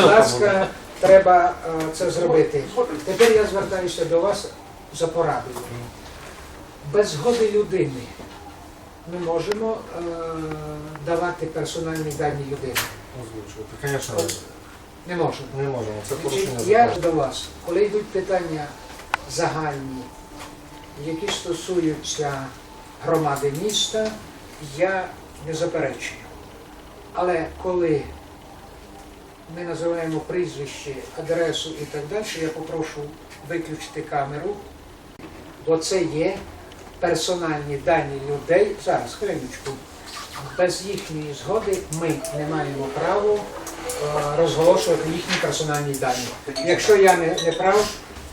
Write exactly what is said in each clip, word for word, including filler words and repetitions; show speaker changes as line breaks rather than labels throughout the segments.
будь ласка, треба е, це зробити. Тепер я звертаюся до вас за порадою. Без згоди людини ми можемо е, давати персональні дані людини.
Озвучувати, звісно,
Не можемо.
не можемо. Це порушення
Значить, я
закону.
до вас, коли йдуть питання загальні, які стосуються громади міста, я не заперечую. Але коли ми називаємо прізвище, адресу і так далі, я попрошу виключити камеру, бо це є персональні дані людей. Зараз, хвилиночку. Без їхньої згоди ми не маємо права е, розголошувати їхні персональні дані. Якщо я не, не прав,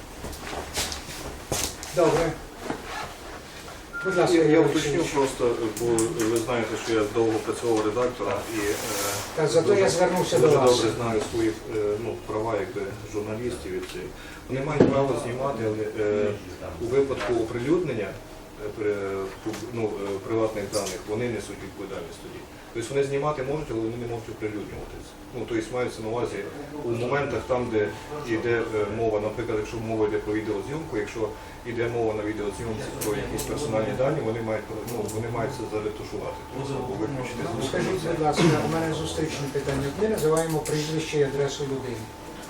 добре. Будь ласка,
Я, я
Юрій
уточню
Олексійович.
просто, бо ви знаєте, що я довго працював редактором і е,
Та зато
дуже,
я звернувся до
дуже
вас.
добре знаю свої е, ну, права якби, журналістів. І це. Вони мають право знімати, але е, у випадку оприлюднення е, при, ну, е, приватних даних вони несуть відповідальність тоді. Тобто вони знімати можуть, але вони не можуть оприлюднювати це. Ну, тобто мається на увазі у моментах там, де йде е, мова, наприклад, якщо мова йде про відеозйомку, якщо йде мова на відеозйомці про якісь персональні дані, вони мають, ну, вони мають це заретушувати, тобто або виключити з
Скажіть, будь ласка, у мене зустрічне питання. Ми називаємо прізвище і адресу людини.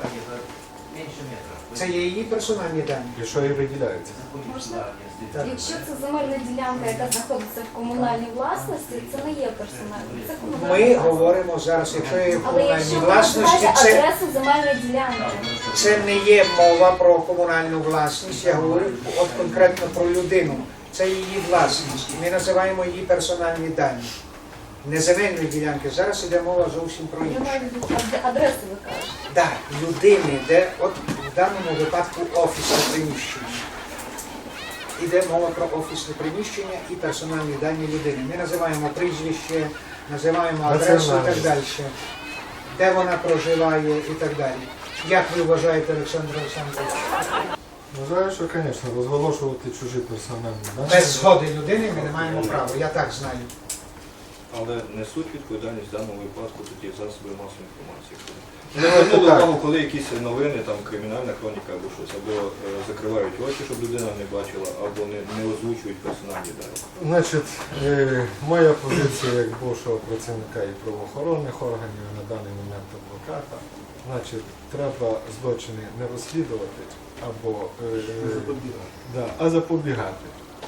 Це є її персональні дані.
І що і виділяється?
Так.
Якщо це земельна ділянка, яка знаходиться в комунальній власності, це не є персональним. Це комунальна
Ми
власність.
говоримо зараз, якщо є в
Але
комунальній
якщо ви
власності,
називаєте
це,
адресу земельної ділянки,
це не є мова про комунальну власність, я говорю от конкретно про людину. Це її власність. Ми називаємо її персональні дані. Не земельної ділянки. Зараз йде мова зовсім про
я
інше.
маю в виду, а адресу ви кажете.
Так, людини, де от в даному випадку офісне приміщення. Іде мова про офісне приміщення і персональні дані людини. Ми називаємо прізвище, називаємо адресу і так далі. Де вона проживає і так далі. Як ви вважаєте, Олександр Олександрович?
Вважаю, що, звісно, розголошувати чужі персональні дані.
Без згоди людини ми не маємо права, я так знаю.
Але несуть відповідальність в даному випадку тоді засоби масової інформації.
Ну,
Не
це
звернули
так.
увагу, коли якісь новини, там кримінальна хроніка або щось, або е, закривають очі, щоб людина не бачила, або не, не озвучують персональні дані.
Значить, е, моя позиція як бувшого працівника і правоохоронних органів, на даний момент адвоката, значить, треба злочини не розслідувати, або, е, да, а запобігати.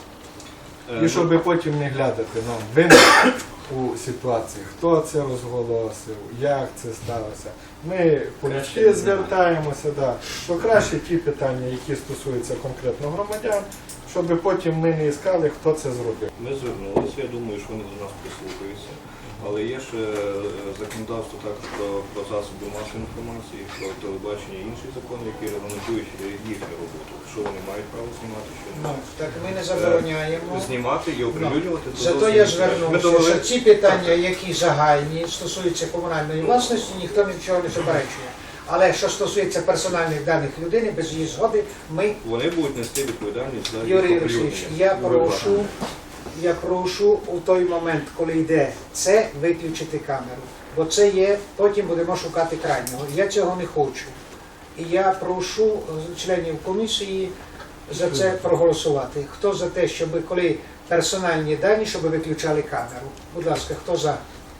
Е,
І щоб потім не глядати нам винних у ситуації, хто це розголосив, як це сталося. Ми політики звертаємося, да, то краще ті питання, які стосуються конкретно громадян, щоб потім ми не іскали, хто це зробив.
Ми звернулися, я думаю, що вони до нас прислухаються. Але є ще е, законодавство також про, про засоби масової інформації, про телебачення і інші закони, які регламентують їхню роботу. Що вони мають право знімати, що не
Ну,
мають.
так ми не забороняємо.
Знімати і оприлюднювати. то
Зато
зовсім
я
інше. Ми
звернувся,
довели-
що ці питання, які загальні, стосуються комунальної власності, ніхто нічого не заперечує. Але що стосується персональних даних людини, без її згоди, ми,
Вони будуть нести відповідальність за їх
Юрій
оприлюднення.
Олексійович, я
Ну,
прошу, я прошу у той момент, коли йде це, виключити камеру. Бо це є, потім будемо шукати крайнього. Я цього не хочу. І я прошу е, членів комісії за це проголосувати. Хто за те, щоб коли персональні дані, щоб виключали камеру? Будь ласка, хто за?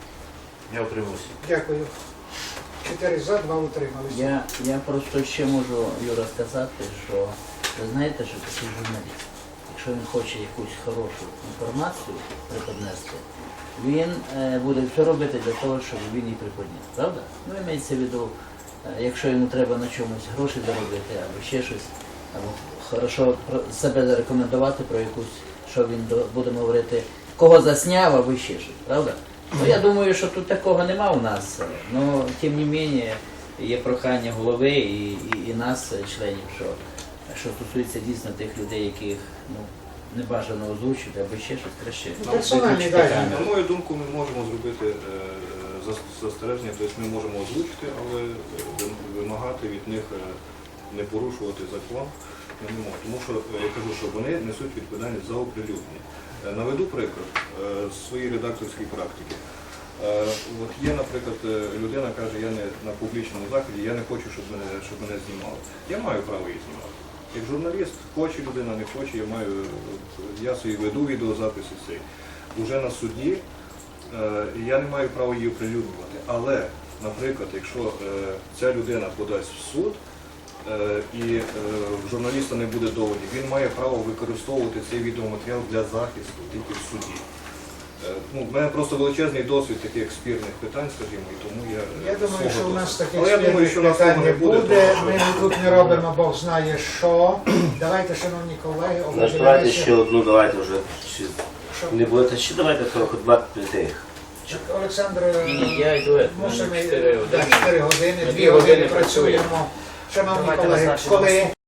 Я утримався.
Дякую. Чотири за, два утрималися.
Я, я просто ще можу, Юра, сказати, що ви знаєте, що такий журналіст, якщо він хоче якусь хорошу інформацію преподнести, він е, буде все робити для того, щоб він її приподняв. Правда? Ну, імеється в виду, е, якщо йому треба на чомусь гроші заробити, або ще щось, або хорошо про себе зарекомендувати про якусь, що він до- будемо говорити, кого засняв, або ще щось, правда? Ну, я думаю, що тут такого нема у нас. Ну, тим не менше, є прохання голови і, і, і нас, членів, що, що стосується дійсно тих людей, яких ну, не бажано озвучити, або ще щось краще.
Ну, персональні
виключити
дані.
камеру.
На мою думку, ми можемо зробити е, зас- застереження, тобто ми можемо озвучити, але е, ви- вимагати від них е, не порушувати закон ми не можемо. Тому що е, я кажу, що вони несуть відповідальність за оприлюднення. Е, Наведу приклад е, з своєї редакторської практики. Е, От є, наприклад, е, людина каже, я не на публічному заході, я не хочу, щоб мене, щоб мене знімали. Я маю право її знімати. Як журналіст, хоче людина, не хоче, я маю, я свої веду відеозаписи цей. Уже на суді е, я не маю права її оприлюднювати. Але, наприклад, якщо е, ця людина подасть в суд, е, і е, в журналіста не буде доводів, він має право використовувати цей відеоматеріал для захисту тільки в суді. Е, Ну, в мене просто величезний досвід таких спірних питань, скажімо, і тому я...
Я думаю, що у нас таких
Але я думаю, що
спільних
нас
питань
цього
не
не буде,
буде.
тому
Ми
що-
тут не робимо Бог знає що. Давайте, шановні колеги,
Ну, давайте
обговоримося.
ще одну, давайте вже. Чи
Що?
не будете ще давайте трохи два тих.
Олександр,
Ні, ні, я йду, е,
мусимо
чотири
да,
години.
чотири години,
Ми
дві
дві години
години працюємо. Шановні
Давайте
колеги,
назначимо
коли